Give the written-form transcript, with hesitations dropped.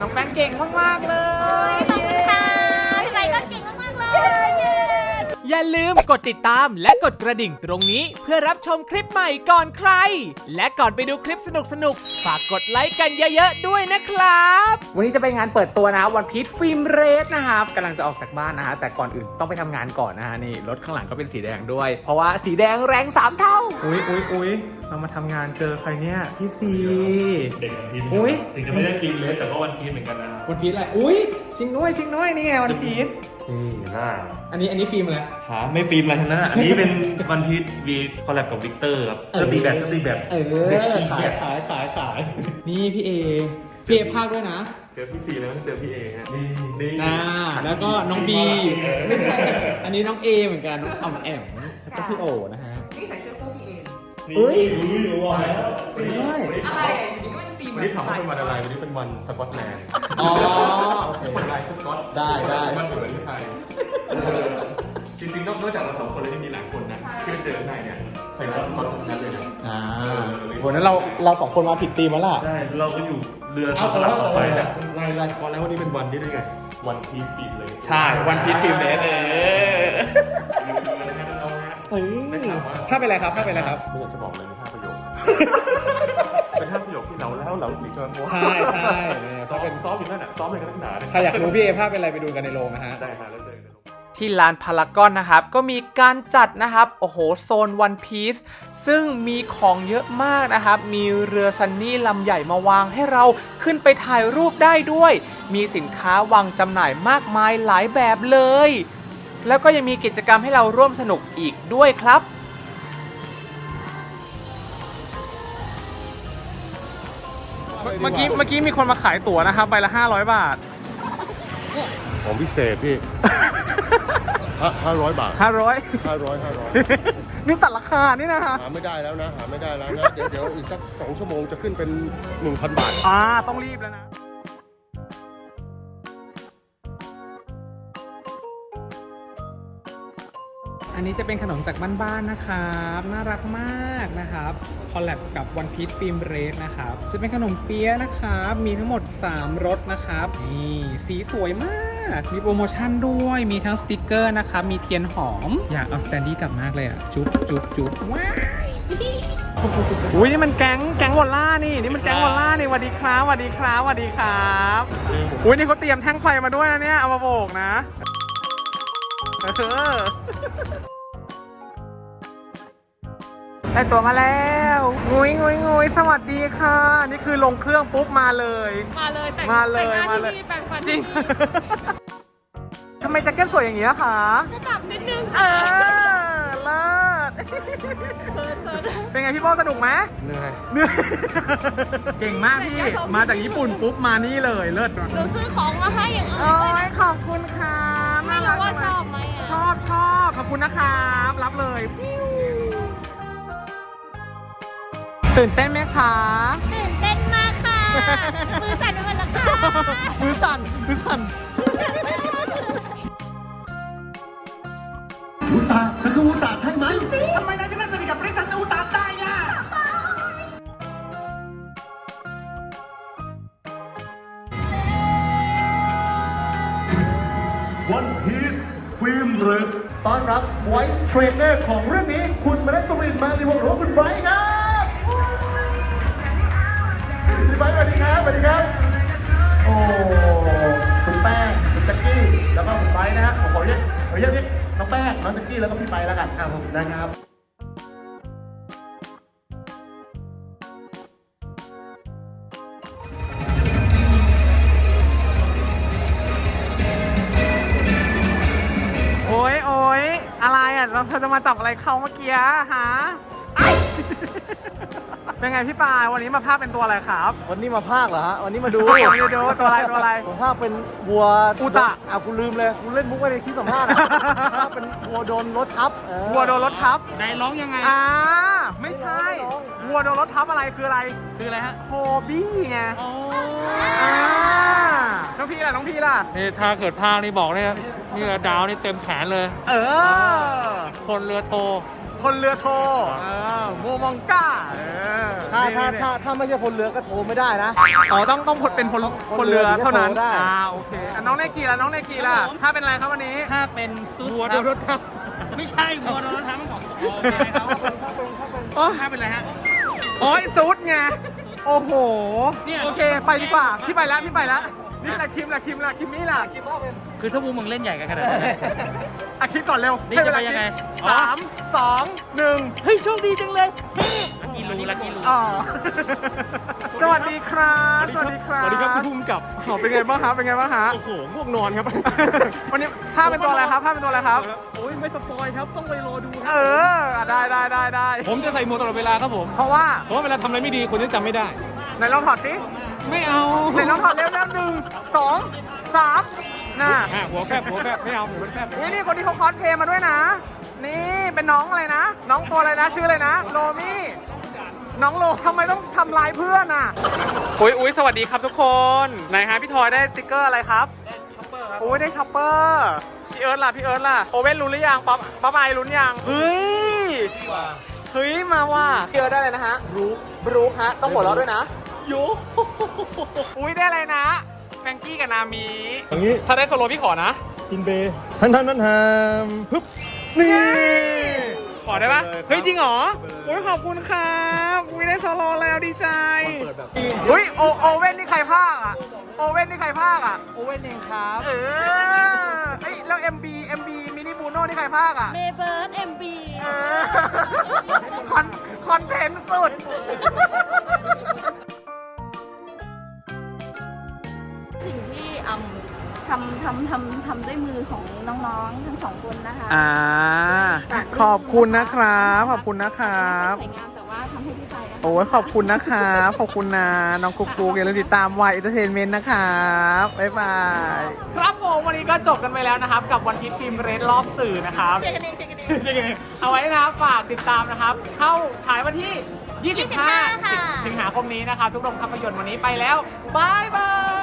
น้องแป้งเก่งมากๆเลยขอบคุณค่ะพี่ไบก็เก่งมากๆเลยอย่าลืมกดติดตามและกดกระดิ่งตรงนี้เพื่อรับชมคลิปใหม่ก่อนใครและก่อนไปดูคลิปสนุกๆฝากกดไลค์กันเยอะๆด้วยนะครับวันนี้จะเป็นงานเปิดตัวนะวันพีชฟิล์มเรสนะครับกำลังจะออกจากบ้านนะฮะแต่ก่อนอื่นต้องไปทำงานก่อนนะฮะนี่รถข้างหลังก็เป็นสีแดงด้วยเพราะว่าสีแดงแรง3เท่าอุ๊ยเรามาทำงานเจอใครเนี่ยพี่ซีเด็กวันพีชอุ๊ยถึงจะไม่ได้กินเลยแต่ก็วันพีชเหมือนกันนะวันพีชอะไรอุ๊ยจริงด้วยนี่ไงวันพีชนี่หน้าอันนี้ฟิล์มอะไรหาไม่ฟิล์มอะไรทั้งนั้นอันนี้เป็นวันพีชวีคอลแลบกับวิกเตอร์ครับสตีแบบเด็กอีกแบบขายนี่พี่เอภาคด้วยนะเจอพี่ซีแล้วต้องเจอพี่เอฮะนี่แล้วก็น้องบีไม่ใช่อันนี้น้องเอเหมือนกันน้องอ่อมแอมแล้วก็พี่โอนะฮะนี่ใส่เสื้อคู่พี่เองนี่รู้ว่าแล้วจริงด้วยอะไรนี่ก็เป็นตีมวันนี้ถามว่าเป็นวันอะไรวันนี้เป็นวันสกอตแลนด์อ๋อโอเควันลายสกอตได้วันเหมือนที่ไทยจริงๆนอกจากเรา2คนแล้วยังมีหลายคนนะที่ไปเจอข้างในเนี่ยใส่ลายสกอตทั้งนั้นเลยนะวันนั้นเรา2คนมาผิดธีมแล้วล่ะใช่เราก็อยู่เรือสลับออกไปจากลายสกอตแล้ววันนี้เป็นวันที่ได้ไงวันพีชฟิล์มเลยใช่วันพีชฟิล์มเรสภาพเป็นอะไรครับไม่อยากจะบอกเลยเป็น5 ประโยค เป็น5 ประโยคที่เราหลีกจนโพสใช่ซ้อมอยู่นั่นน่ะซ้อมอะไรกันนักหนาเนี่ยใครอยากรู้พี่เอภาพเป็นอะไรไปดูกันในโรงนะฮะได้ค่ะแล้วเจอกันที่ลานพารากอนนะครับก็มีการจัดนะครับโอ้โหโซนวันพีซซึ่งมีของเยอะมากนะครับมีเรือซันนี่ลำใหญ่มาวางให้เราขึ้นไปถ่ายรูปได้ด้วยมีสินค้าวางจำหน่ายมากมายหลายแบบเลยแล้วก็ยังมีกิจกรรมให้เราร่วมสนุกอีกด้วยครับเมื่อกี้มีคนมาขายตั๋วนะครับใบละ500 บาทของพิเศษพี่ 500 บาทนี่ตัดราคานี่นะฮะหาไม่ได้แล้วนะ เดี๋ยวอีกสัก2 ชั่วโมงจะขึ้นเป็น 1,000 บาทต้องรีบแล้วนะ อันนี้จะเป็นขนมจากบ้านๆนะครับน่ารักมากนะครับคอลแลบกับวันพีชฟิล์มเรสนะครับจะเป็นขนมเปี๊ยะนะครับมีทั้งหมด3รสนะครับนี่สีสวยมากมีโปรโมชั่นด้วยมีทั้งสติกเกอร์นะครับมีเทียนหอมอยากเอาสแตนดี้กลับมากเลยอ่ะจุ๊บว้ายอุ้ยนี่มันแก๊งวอลล่านี่มันแก๊งวอลล่านี่สวัสดีครับอุ้ยนี่เขาเตรียมแท่งไฟมาด้วยนะเนี่ยเอามาโบกนะได้ตัวมาแล้วงุยสวัสดีค่ะนี่คือลงเครื่องปุ๊บมาเลยแต่งหน้าที่นี่แปลงฟันจริงทำไมแจ็คเก็ตสวยอย่างนี้คะก็ปรับนิดนึงเลิศเป็นไงพี่โบสนุกไหมเหนื่อยเก่งมากพี่มาจากญี่ปุ่นปุ๊บมานี่เลยเลิศหนูซื้อของมาให้อย่างอื่นโอ้ด้วยยขอบคุณค่ะไม่รู้ว่าชอบไหมอ่ะชอบขอบคุณนะครับรับเลยตื่นเต้นไหมคะตื่นเต้นมากค่ะ มือสั่นไปหมดแล้วค่ะมือสั่นอูตามันคืออูตาใช่ไหมทำไมนายจะนั่งสนิทกับบริษัทอูตาได้ล่ะวันพีซฟิล์มเรดต้อนรับ Voice Trainer ของเรื่องนี้คุณมนัสวินมาลีวงศ์หรือว่าคุณไบรท์ครับพี่ไบรท์สวัสดีครับ โอ้คุณแป้งคุณแจ็คกี้แล้วก็คุณไบรท์นะฮะผมขอเรียกนี่น้องแป้งน้องแจ็คกี้แล้วก็พี่ไบรท์แล้วกันครับผมนะครับโอ๊ยอะไรอ่ะเราจะมาจับอะไรเขาเมื่อกี้ฮะเป็นไงพี่ปายวันนี้มาภาคเป็นตัวอะไรครับวันนี้มาภาคเหรอฮะ วันนี้มาดูตัวอะไรผมภาคเป็นวัวอุตะกูลืมเลยกูเล่นมุกไว้ในคลิปสัมภาษณ์ภาคเป็นวัวโดนรถทับวัวโดนรถทับไหนร้องยังไงไม่ใช่วัวโดนรถทับอะไรคืออะไรคืออะไรฮะโคบี้ไงน้องพี่ล่ะนี่ถ้าเกิดภาคนี่บอกเลยนี่ดาวนี่เต็มแขนเลย คนเรือโทโมมองก้าถ้าไม่ใช่พลเรือก็โทรไม่ได้นะอ๋อต้องเป็นพลเรือเท่านั้นได้โอเคน้องเนกีล่ะน้องเนกีล่ะถ้าเป็นอะไรครับวันนี้ถ้าเป็นซุสวัวคโดรับนรถทับไม่ใช่วัวโดนรถทับมันของโอเคครับ ถ้าเป็นอะไรฮะโอ้ยซุดไงโอ้โหเนี่ยโอเคไปดีกว่าพี่ไปแล้วนี่แหละคิมมี่ล่ะคือถ้ามึงเล่นใหญ่กันขนาดนั้นอ่ะคิดก่อนเร็วนี่จะไปยังไงสามสองหนึ่งเฮ้ยโชคดีจังเลยลักกี้รูอ๋อสวัสดีครับสวัสดีครับสวัสดีครับคุณภูมิกับเป็นไงบ้างครับโอ้โหง่วงนอนครับวันนี้ผ้าเป็นตัวอะไรครับโอ้ยไม่สปอยครับต้องไปรอดูคเอรับได้ผมจะใส่หมวกตลอดเวลาครับผมเพราะว่าเพราะว่าเวลาทำอะไรไม่ดีคนจะจำไม่ได้ไหนลองถอดสิไม่เอาไหนลองถอดเร็วหนึ่งสองสามน่ะหัวแคบไม่เอาหัวแคบนี่คนที่เขาคอสเพลย์มาด้วยนะ นี่เป็นน้องอะไรนะ น้องตัวอะไรนะชื่ออะไรนะโลมี่น้องโลทำไมต้องทำลายเพื่อนอ่ะอุ้ยสวัสดีครับทุกคนไหนฮะพี่ทอยได้สติ๊กเกอร์อะไรครับช็อปเปอร์ครับอุ้ยได้ช็อปเปอร์พี่เอิร์ธล่ะโอเว่นรู้หรือยังป๊อปไอรู้หรือยังเฮ้ยมาว่ะพี่เอิร์ธได้เลยนะฮะบรูคฮะต้องหัวเราะด้วยนะโยอุ้ยได้อะไรนะแฟรงกี้กับนามีอย่างนี้ถ้าได้โซโลพี่ขอนะจินเบย์ท่านฮึบนี่ขอได้ปะเฮ้ยจริงเหรอโอ้ยขอบคุณครับอุ้ยได้โซโลแล้วดีใจเฮ้ยโอเว่นนี่ใครพากย์อ่ะโอเว่นนี่ใครพากย์อ่ะโอเว่นเองครับเอ้ยแล้ว MB มินิบูโน่นี่ใครพากย์อ่ะเมเบิร์ดเอ็มบีเออคอนเทนต์สุดสิ่งที่ทำด้วยมือของน้องๆทั้งสองคนนะคะขอบคุณนะครับขอบคุณนะครับไม่สวยงามแต่ว่าทำให้พี่ใจนะคะโอ้ยขอบคุณนะครับขอบคุณนะน้องกุ๊กอย่าลืมติดตามวายเอนเตอร์เทนเมนต์นะครับบ๊ายบายครับผมวันนี้ก็จบกันไปแล้วนะครับกับวันพีชฟิล์มเรดรอบสื่อนะครับเช็คกันเองเอาไว้นะครับฝากติดตามนะครับ เข้าฉายวันที่ 25 ค่ะสิงหาคมนี้นะครับ ทุกโรงภาพยนตร์วันนี้ไปแล้วบายบาย